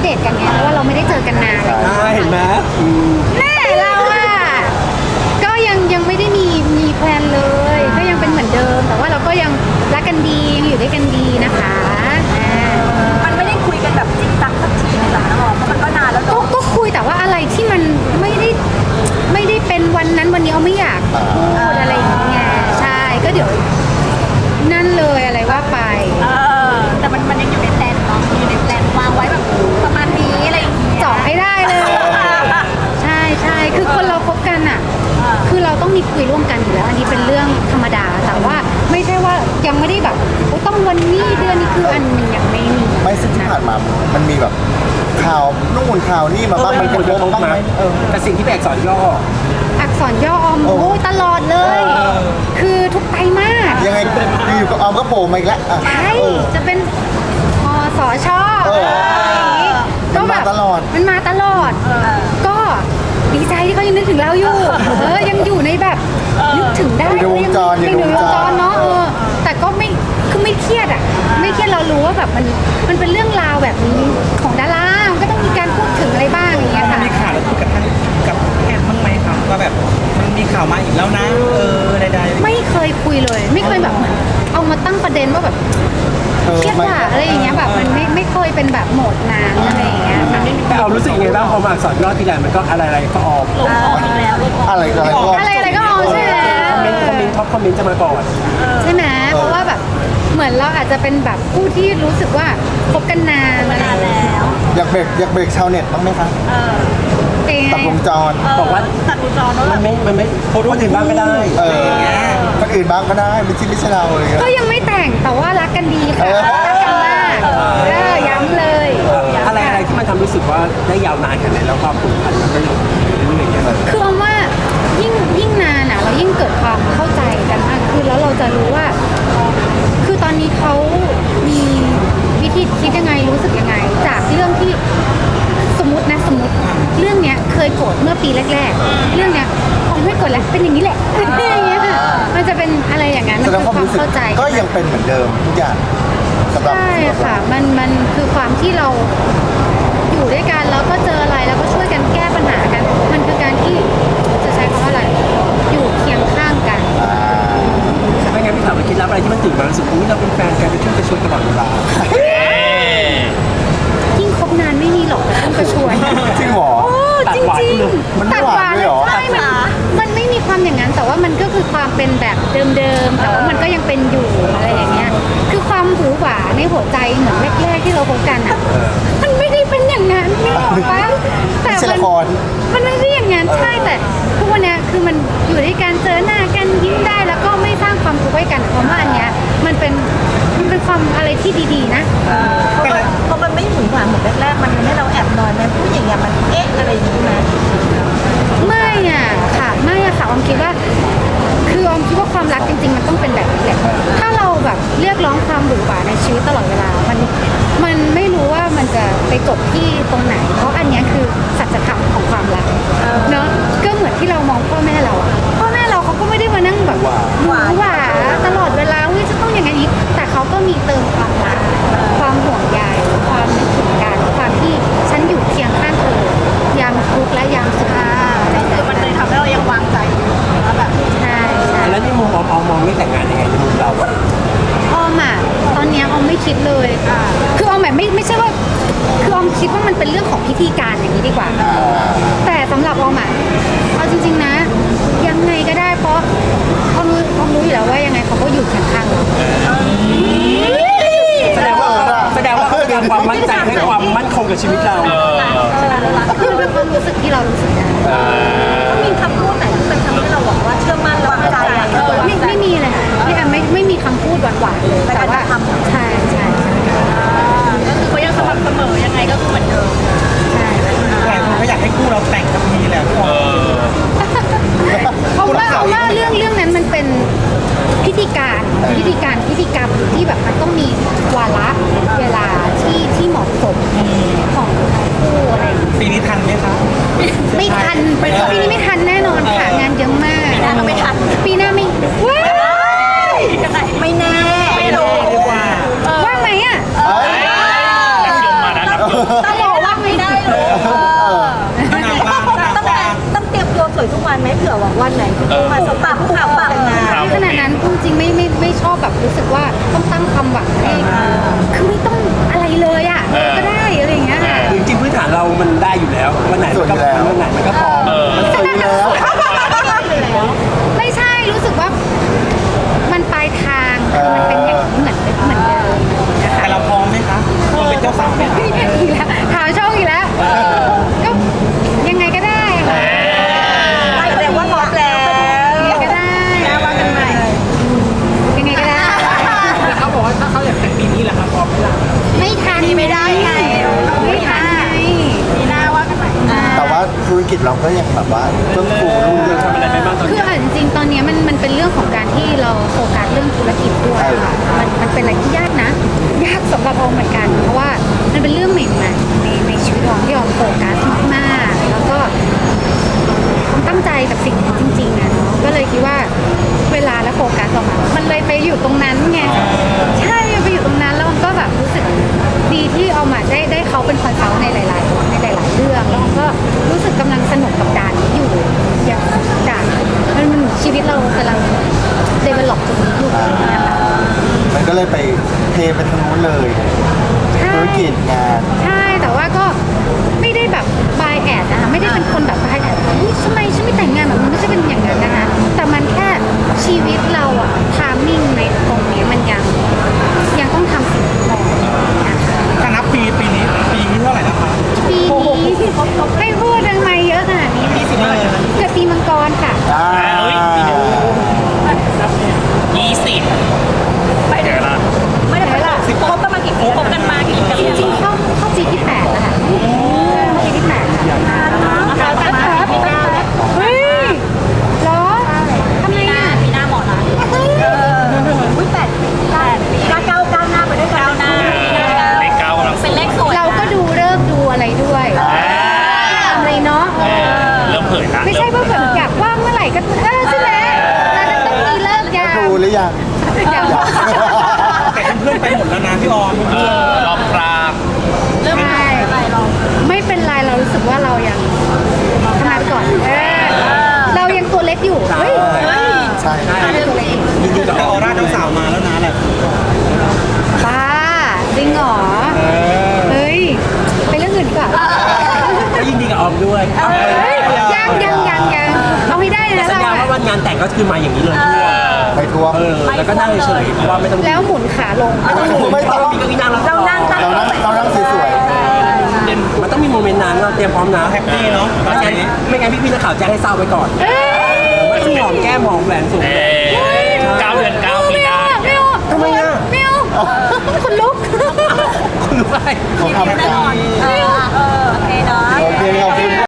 ดตกันไงเพราะว่าเราไม่ได้เจอกันนานเห็นไหมแม่เราอะก็ยังไม่ได้มีแพลนเลยก็ยังเป็นเหมือนเดิมแต่ว่าเราก็ยังรักกันดียังอยู่ด้วยกันดีนะคะมันไม่ได้คุยกันแบบจริงจังสักทีในสารน้ำเพราะมันก็นานแล้วเนาะก็คุยแต่ว่าอะไรที่มันไม่ได้เป็นวันนั้นวันนี้เอาไม่อยากพูดอะไรอย่างเงี้ยใช่ก็เดี๋ยวนั่นเลยอะไรว่าไปแต่มันยังอยู่ในแพลนเนาะอยู่ในแพลนวางไว้แบบประมาณนี้อะไรอย่างเงี้ยเจาะให้ได้เลยใช่คือคนเราคบกันอ่ะคือเราต้องมีคุยร่วมกันอยู่แล้วอันนี้เป็นเรื่องธรรมดาแต่ว่าไม่ใช่ว่ายังไม่ได้แบบต้องวันนี้เดือนนี้คืออันหนึ่งยังไม่มีไม่ซึ่งที่ผ่านมามันมีแบบข่าวนู่นข่าวนี่มาบ้างมันกระทบบ้างไหมแต่สิ่งที่เป็นอักษรย่ออักษรย่ออมโอ้ยตลอดเลยคือทุกไตรมาสยังไงอยู่กับออมก็โผล่มาอีกแล้วใช่จะเป็นสชก็มาตลอดมันมาตลอดก็ดีใจที่เขายังนึกถึงเราอยู่ยังอยู่ในแบบนึกถึงได้ในวงจรในวงจรเนาะแต่ก็ไม่คือไม่เครียดอ่ะไม่เครียดเรารู้ว่าแบบมันเป็นเรื่องราวแบบนี้ของดารามันก็ต้องมีการพูดถึงอะไรบ้างอย่างเงี้ยค่ะมีข่าวแล้วคุยกับท่านกับแอนบ้างไหมครับว่าแบบมันมีข่าวมาอีกแล้วนะใดๆไม่เคยคุยเลยไม่เคยแบบเหมือนเอามาตั้งประเด็นว่าแบบเครียดว่าอะไรอย่างเงี้ยแบบมันไม่เคยเป็นแบบโหมดนานอะไรอย่างเงี้ยแต่เอารู้สึกยังไงบ้างพอมาอักษรย่อทีไรมันก็อะไรก็ออกอะไรก็ออกใช่ไหมคอมเมนต์จะมาก่อนใช่ไหมเพราะว่าแบบเหมือนเราอาจจะเป็นแบบผู้ที่รู้สึกว่าคบกันนานแล้วอยากเบรกชาวเน็ตบ้างไหมคะตัดวงจรบอกว่าตัดวงจรแล้วมันไม่คนอื่นบ้างก็ได้คนอื่นบ้างก็ได้ไม่ใช่เราเลยก็ยังไม่แต่งแต่ว่ารักกันดีค่ะรักกันมากย้ำเลยอะไรที่มันทำรู้สึกว่าได้ยาวนานขนาดไหนแล้วความผูกพันมันก็อยู่เรื่อยๆคือว่ายิ่งนานอ่ะเรายิ่งเกิดความเข้าใจกันมากขึ้นแล้วเราจะรู้ว่าคือตอนนี้เขามีวิธีคิดยังไงรู้สึกยังไงจากเรื่องที่สมมติเรื่องเนี้ยเคยโกรธเมื่อปีแรกๆเรื่องเนี้ยไม่โกรธแล้วเป็นอย่างนี้แหละอย่างเงี้ยมันจะเป็นอะไรอย่างนั้นมันคือความเข้าใจก็ยังเป็นเหมือนเดิมทุกอย่างใช่ค่ะมันคือความที่เราอยู่ด้วยกันแล้วก็เจออะไรแล้วก็ช่วยกันแก้ปัญหากันมันคือการที่จะใช้คำว่าอะไรอยู่เคียงข้างกันไม่งั้นพี่ถามว่าคิดลับอะไรที่มันตื่นมารู้สึกเราเป็นแฟนกันไปช่วยตลอดเวลายิ่งคบนานไม่มีหรอกต้องกระชวยจริงหรอจริงมันหวานเลยหรอใช่มันไม่มีความอย่างนั้นแต่ว่ามันก็คือความเป็นแบบเดิมๆแต่ว่ามันก็ยังเป็นอยู่อะไรอย่างเงี้ยคือความหวือหวาในหัวใจเหมือนแรกๆที่เราคบกันอ่ะมันไม่ได้เป็นอย่างนั้นไม่หรอกปะแต่มันไม่ใช่อย่างนั้นใช่แต่ทุกวันนี้คือมันอยู่ด้วยกันเจอหน้ากันยิ้มได้แล้วก็ไม่สร้างความทุกข์ให้กันเพราะว่าอันเนี้ยมันเป็นความอะไรที่ดีๆนะเพราะมันไม่หมุนหวานเหมือนแรกๆมันทำให้เราแอบนอยไหมผู้หญิงมันอะไรอย่างนี้ไหมไม่อะค่ะออมคิดว่าคือออมคิดว่าความรักจริงๆมันต้องเป็นแบบนี้แหละถ้าเราแบบเรียกร้องความหวือหวาในชีวิตตลอดเวลามันไม่รู้ว่ามันจะไปจบที่ตรงไหนเพราะอันนี้คือสัจธรรมของความรักเนาะก็เหมือนที่เรามองพ่อแม่เราเขาก็ไม่ได้มานั่งแบบหวาตลอดเวลาจะต้องอย่างนี้แต่เขาก็มีเติมความรักความห่วงใยความนึกถึงกันความที่ฉันอยู่เคียงข้างเธอยามทุกข์และยามสุขคือมันเลยทำให้เรายังวางใจว่าแบบใช่แล้วในมุมออมมองไม่แต่งงานยังไงในมุมเราออมอ่ะตอนนี้ออมไม่คิดเลยคือออมแบบไม่ใช่ว่าคือออมคิดว่ามันเป็นเรื่องของพิธีการอย่างนี้ดีกว่าแต่สำหรับออมอ่ะเอาจริงๆนะยังไงก็ได้เพราะออมรู้อยู่แล้วว่ายังไงเขาก็อยู่ข้างๆเราแสดงว่าเขาเตรียมความมั่นใจให้ความมั่นคงกับชีวิตเราคือเป็นความรู้สึกที่เรารู้สึกได้มีคำพูดไหนที่มันทำให้เราบอกว่าเชื่อมั่นและมั่นใจไม่มีเลยค่ะพี่แอมไม่มีคำพูดหวานๆเลยแต่ว่าใช่ก็คือเขายังสม่ำเสมอยังไงก็คือเหมือนเดิมใช่หลายคนเขาอยากให้คู่เราแต่งกับพีแหละเพราะว่าเรื่องนั้นมันเป็นพิธีกรรมที่แบบมันต้องมีวาระเวลาที่เหมาะสมของคู่อะไรปีนี้ทันไหมคะไม่ทันปีนี้ไม่ทันแน่นอนค่ะงานเยอะมากปีหน้าก็ไม่ทันปีหน้าไม่ไม่แน่ไม่รู้ดีกว่าว่างไหมอ่ะต้องบอกว่าไม่ได้เลยต้องเตรียมตัวสวยทุกวันไหมเผื่อว่าวันไหนคุณต้องมาสบตาผู้ข่าวปากงานขนาดนั้นพูดจริงไม่ชอบแบบรู้สึกว่าต้องตั้งความหวังให้คือไม่ต้องอะไรเลยอ่ะก็ได้อะไรอย่างเงี้ยค่ะจริงๆพื้นฐานเรามันได้อยู่แล้ววันไหนมันก็วันไหนมันก็พร้อมมันสวยอยู่แล้วไม่ใช่รู้สึกว่ามันปลายทางคือมันเป็นอย่างนี้เหมือนเดิมนะคะแต่เราพร้อมไหมคะเราเป็นเจ้าสาวไหมคะอีกแล้วถามช่องอีกแล้วก็ยังไงก็ได้ค่ะไม่แต่ว่าพร้อมแล้วยังไงก็ได้ว่ากันใหม่ยังไงก็ได้เขาบอกว่าถ้าเขาอยากแต่งปีนี้แหละครับพร้อมไหมล่ะไม่ทันไม่ได้ไงไม่ทันไงปีหน้าว่ากันใหม่แต่ว่าธุรกิจเราก็ยังแบบว่าเพิ่มฟูรุ่งเรืองทำอะไรไปบ้างตอนคือนี้จริงๆตอนนี้มันเป็นเรื่องของการที่เราโฟกัสเรื่องธุรกิจด้วยค่ะมันเป็นอะไรที่ยากนะ ยากสำหรับออมเหมือนกัน เพราะว่ามันเป็นเรื่องใหม่ๆในชีวิตออมที่ออมโฟกัสมากๆแล้วก็ออมตั้งใจกับสิ่งนี้จริงๆนะเนาะก็เลยคิดว่าเวลาและโฟกัสออกมามันเลยไปอยู่ตรงนั้นไงใช่ไปอยู่ตรงนั้นแล้วมันก็แบบรู้สึกดีที่ออมได้เขาเป็นคอนซัลท์ในหลายๆเรื่องแล้วออมก็รู้สึกกำลังสนุกกับด่านนี้อยู่อย่างด่านมันชีวิตเรากำลัง develop ตรงนี้อยู่นะคะมันก็เลยไปเทไปทางนู้นเลยใช่ธุรกิจงานใช่แต่ว่าก็ไม่ได้แบบ by ad นะคะไม่ได้เป็นคนแบบ by ad อุ๊ยทำไมฉันไม่แต่งงานแบบมันไม่ใช่เป็นอย่างนั้นนะคะแต่มันแค่ชีวิตเราอะทามมิ่งในตรงนี้มันยังต้องทำสิ่งที่พอนะคะถ้านับปีนี้เท่าไหร่แล้วคะปีนี้ให้พูดทำไมเยอะขนาดนี้ปี10เลยเกิดปีมังกรค่ะอ่าไม่ได้ไปละคบกันมากี่ปีคบกันมากี่ปีจริงๆเข้าปีที่8แล้วค่ะเข้าปีที่8ค่ะเฮ้ยเหรอทำไมอ่ะปีหน้าหมอนะอุ้ย8ก้าวหน้าไปด้วยกันนะเลขเก้ากำลังเป็นเลขสวยเราก็ดูเลิกษ์ดูอะไรด้วยอะไรเนาะเริ่มเผยละไม่ใช่ว่าแบบอยากว่างเมื่อไหร่ก็ใช่ไหมแล้วต้องมีเลิกยาวดูหรือยังยังแต่เพื่อนๆไปหมดแล้วนะพี่ออมรอบกลางเริ่มอะไรลองไม่เป็นไรเรารู้สึกว่าเรายังทำงานไปก่อนเรายังตัวเล็กอยู่เฮ้ยใช่ตัวเล็กอยู่จริงๆแต่ก็ออร่าเจ้าสาวมาแล้วนะแหละบ้าจริงเหรอเฮ้ยไปเรื่องอื่นดีกว่าก็ยินดีกับออมด้วยเฮ้ยยังเอาให้ได้นะสัญเราญาว่าวันงานแต่งก็คือมาอย่างนี้เลยทั่วไปทัวร์แล้วก็นั่งเฉยๆเพราะว่าไม่ต้องแล้วหมุนขาลงไม่ต้องมีเก้าอี้นั่งแล้วเรานั่งเรานั่งสวยมันต้องมีโมเมนต์นั้นเราเตรียมพร้อมนะแฮปปี้เนาะไม่งั้นพี่นักข่าวแจ้งให้ทราบไว้ก่อนเอ้ยว่าที่หอมแก้มหอมแหวนสูงเลย